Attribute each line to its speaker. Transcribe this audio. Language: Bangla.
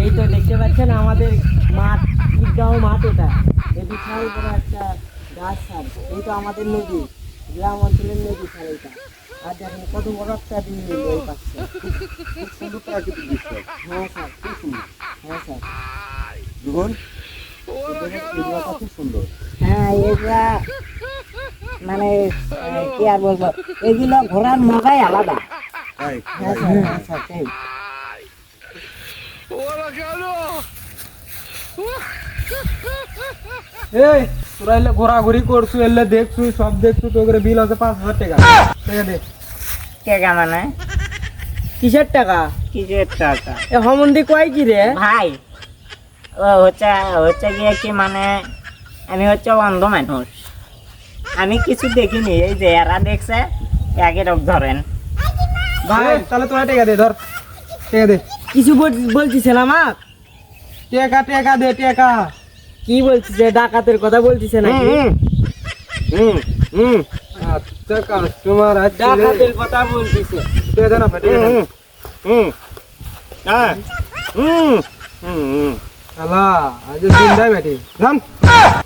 Speaker 1: এই তো দেখতে পাচ্ছেন আমাদের মাঠ, ঈদগাঁও মাঠ এটা। এই বিশাল বড় একটা গাছ স্যার, এই তো আমাদের নদী, গ্রাম অঞ্চলের নদী স্যার এটা। আর দেখেন কত বড় একটা বিল এই পাচ্ছে।
Speaker 2: খুব সুন্দর প্রাকৃতিক দৃশ্য।
Speaker 1: হ্যাঁ স্যার,
Speaker 2: খুব সুন্দর।
Speaker 1: হ্যাঁ স্যার।
Speaker 2: দেখুন এগুলো খুব সুন্দর।
Speaker 3: হ্যাঁ এটা মানে কি আর বলবো, এগুলো ঘোরার মজাই আলাদা।
Speaker 2: তাই
Speaker 3: হ্যাঁ স্যার, হ্যাঁ স্যার, সেই।
Speaker 4: এই তোরা এলে ঘোরাঘুরি করছু, এলে দেখছু, সব দেখছু, তো করে বিল আছে 5,000 টাকা। টাকা দে।
Speaker 3: টাকা মানে
Speaker 1: কিসের টাকা?
Speaker 3: কিসের টাকা?
Speaker 1: এ হমন্দি কয় কি রে?
Speaker 3: ভাই ও হচ্ছে হচ্ছে গিয়ে কি মানে আমি হচ্ছে অন্ধ মানুষ, আমি কিছু দেখিনি, এই যে এরা দেখছে একই রকম ধরেন।
Speaker 4: ভাই তাহলে তোরা টাকা দে, ধর টাকা দে।
Speaker 1: কিছু বলছিছেন আমাক?
Speaker 4: টাকা টাকা দে, টাকা।
Speaker 1: কি বলছিস? ডাকাতের কথা বলছিছে নাকি?
Speaker 4: আচ্ছা কাস্টমার আছে,
Speaker 1: ডাকাতের কথা বলছিছে।
Speaker 4: টাকা দে না ভাই, টাকা দে। শালা আজ দিন দেয় বেটি, জান।